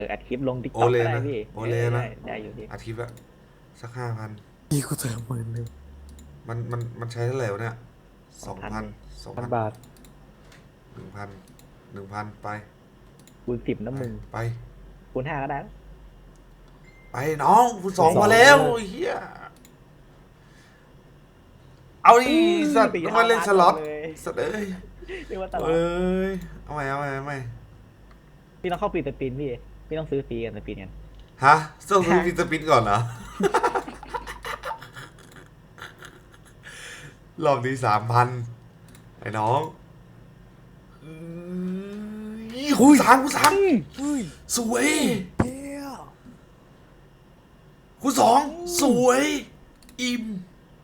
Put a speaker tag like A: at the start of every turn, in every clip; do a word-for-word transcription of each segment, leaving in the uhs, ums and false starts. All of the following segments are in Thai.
A: ออัดคลิปลงติ๊ก
B: โอ
A: ต็อก
B: เลนะ
A: ก็ได้พี่
B: โอเลนะ
A: ได้ได้อยู่พี่
B: อาทิตย์ละสักห้าพัน
C: พี่กูเติมหมื่นหนึ่ง
B: มันมันมันใช้เท่าไหร่วะเนี่ยส
A: ส
B: อ
A: อง งพั
B: พัน
A: น
B: สอง
C: พั
B: พั
C: น
B: น
C: บาท
B: หนึ่งพันหนึ่งพันไป
A: คูณสิบน้ำมึง
B: ไป
A: คูณห้าก็ได้
B: ไปน้องคุณสอง
C: สอง
B: มาแล้ว
C: เลย
B: เฮียเอาดิสัตว์ต้องมาเล่นสล็อตสัตว์เอ้ย
A: เรียกว่าตลอด
B: เอ้ยเอาใหม่เอาใหม่เอาใหม่
A: พี่ต้องเข้าปีสปินพี่พี่ต้องซื้อฟรีกันสปินกัน
B: ฮะต้องซื้อฟิสปินก่อนเหรอ รอบนี้สามพันไอ้น้องคุยสามคุยสาม
C: เฮ้ย
B: สวย
C: เฮีย
B: คุยสองสวยอิ่ม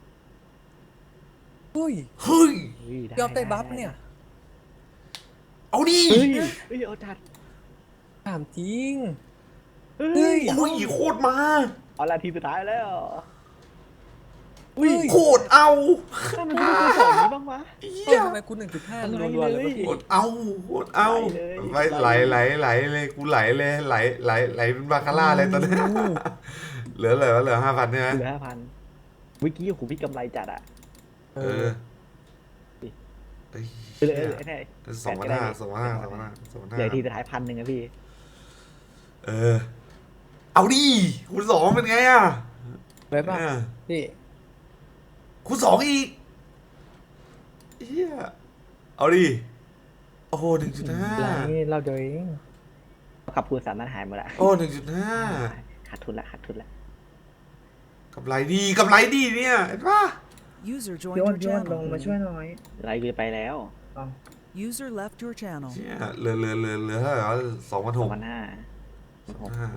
C: เฮ้ย
B: เฮ้ย
A: เฮ้ย
C: ยอมได้บัฟเนี่ย
B: เอาดิ
A: เฮ้ยเฮ้ยเอาจัด
C: ถามจริง
A: เฮ้
C: เฮ้
A: ย
C: ย
B: โอ้ยโคตรมา
A: เอาละทีสุดท้ายแล้ว
C: เฮ้ย
B: โคตรเอา
A: ถ้ามันไม่ได้สองนี้บ้างวะ
B: เฮี
C: เฮ้ย
B: ย
C: ทำไมกูหนึ่งจุดห้า
A: อะไร
C: รัวๆเลย
A: เลย
C: วะพี่
B: โคตรเอาโคตรเอา
A: ไห
B: ไป
A: ล
B: ไหล
A: เลย
B: ไหลไหลเลยกูไหลเลยไหลไหลไหลเป็นบาคาร่าเลยตอนนี้เหลือเหลือเหลือห้าพันใช่ไหม
A: เหลือห้าพันเมื่อกี้โอ้โหพี่กำไรจัดอ่ะ
C: เอ
B: เอ
C: อ
B: อเอ้ย
A: เหลือเหลือไอ้นี่
B: สองพันห้าสองพันห้าสองพันห้าสองพัน
A: เหลื
B: ห้า
A: อทีสุดท้ายพันหนึ่งอะพี่
B: เออ เอาดิคุณสองเป็นไงอ่ะ
C: ไว้ป่ะ
B: เนี่ย
C: พี่
B: คุณสองอีกเฮียเอาดิโอ้โหหนึ่งจุดห้า
C: ไรเราเดียวเอง
A: ขับคูณสามนั้นหายหมดละ
B: โอ้หนึ่งจุดห้า
A: ขาดทุนละขาดทุนละ
B: กำไรดีกำไรดีเนี่ยเห็นปะ
D: User
E: พี่
D: joined
E: อ้น
D: your
E: พี่อ้นลง
D: channel.
E: มาช่วยหน่อย
A: ไรกูไปแล้ว
D: User left your channel.
B: เชี่ยเหลือเหลือเหลือเหลือเท่าไหร่วะสองพัน
A: ส
B: ห
A: อง
B: ก
A: พันห้า
B: สองพันห้า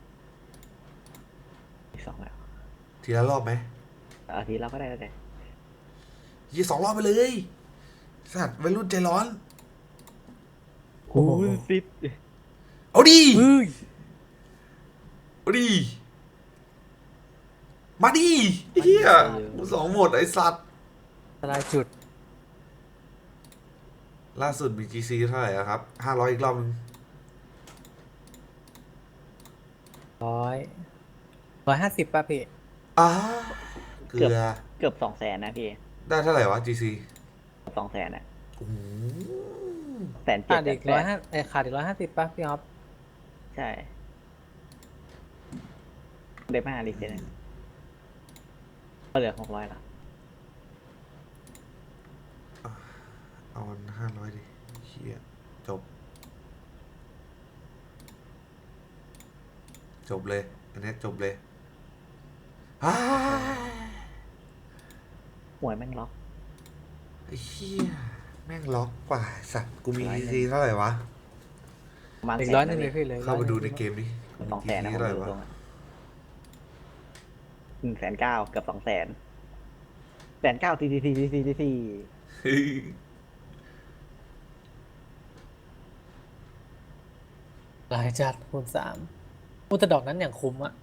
A: อีกสองแล้ว
B: ทีละรอบไหม
A: อาทิตย์เราก็ได้แล้วแต่
B: ยี่สองรอบไปเลยสัตว์วัยรุ่นใจร้อน
A: คูณสิบ
B: เอาดิ
C: เฮ้ย
B: เอาดิมาดิเฮียกูสองหมดไอ้สัตว์
C: สลายจุด
B: ล่าสุดมี จี ซี เท่าไหร่อะครับห้าร้อยอีกรอบนึง
C: ร้อยร้อยห้าสิบป่ะพี่
B: อ้าเกลือ
A: เกือบสองแสนนะพี่
B: ได้เท่าไหร่วะ จี ซี
A: สองแสนอะ
B: โอ้โห
A: แสนเจ็ด
C: ขาดอีกร้อยห้าเอ้ยขาดอีกร้อยห้าสิบป่ะพี่อ๊อฟ
A: ใช่ได้มาลิเซนก็เหลือหกร้อยละ
B: เอาห้าร้อยดิเฮียจบ จบเลย อันนี้จบเลยอ้า
A: หวยแม่งล็อก
B: ไอ้เฮียแม่งล็อกกว่าสัตว์กูมี จี ซี เท่าไหร่วะ
A: ประมาณ
C: อีก
A: แส
C: ร้อย
A: น
C: หนึ่งเลยพี่เลย
B: เข้าไปดูในเกมดิ
A: สองแสนนะ
B: จี
A: ผม
B: เท่าไหร่
A: ดู
B: วะ
A: ตรงอะหนึ่งแสนเก้าเกือบสองแสนแสนเก้าทีทีทีทีทีที
B: เฮ้ย
C: หลายจัดคูณสามอุยแตดอกนั้นอย่างคุ้มอะ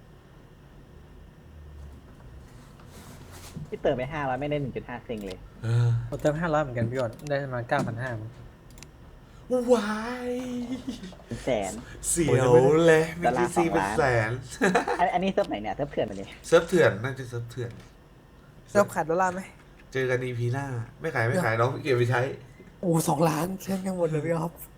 A: ที่เติมไปห้าร้อยไม่ได้หนึ่งจุดห้าเซงเลย
B: เออ
C: ผมเติมห้าร้อยเหมือนกันพี่อ้นได้ประมาณเก้าพันห้า
B: วาย
A: เป็นแสน
B: เสียวเลยมี
A: ดอลลา
B: จี
A: ร์
B: ซี
A: สอง
B: เป็น
A: ล้าน
B: แสน
A: อันอันนี้เซิร์ฟไหนเนี่ยเซิร์ฟเถื่อนมาเนี่ย
B: เซิร์ฟเถื่อนน่าจะเซิร์ฟเถื่อน
C: เติมขาดดอลลาร์ไหม
B: เจอกันอีพีหน้า ไม่ขายไม่ขายน้องเก็บไปใช้
C: โอ้สองล้านเช่นกันหมดเลยพี่อ๊อฟ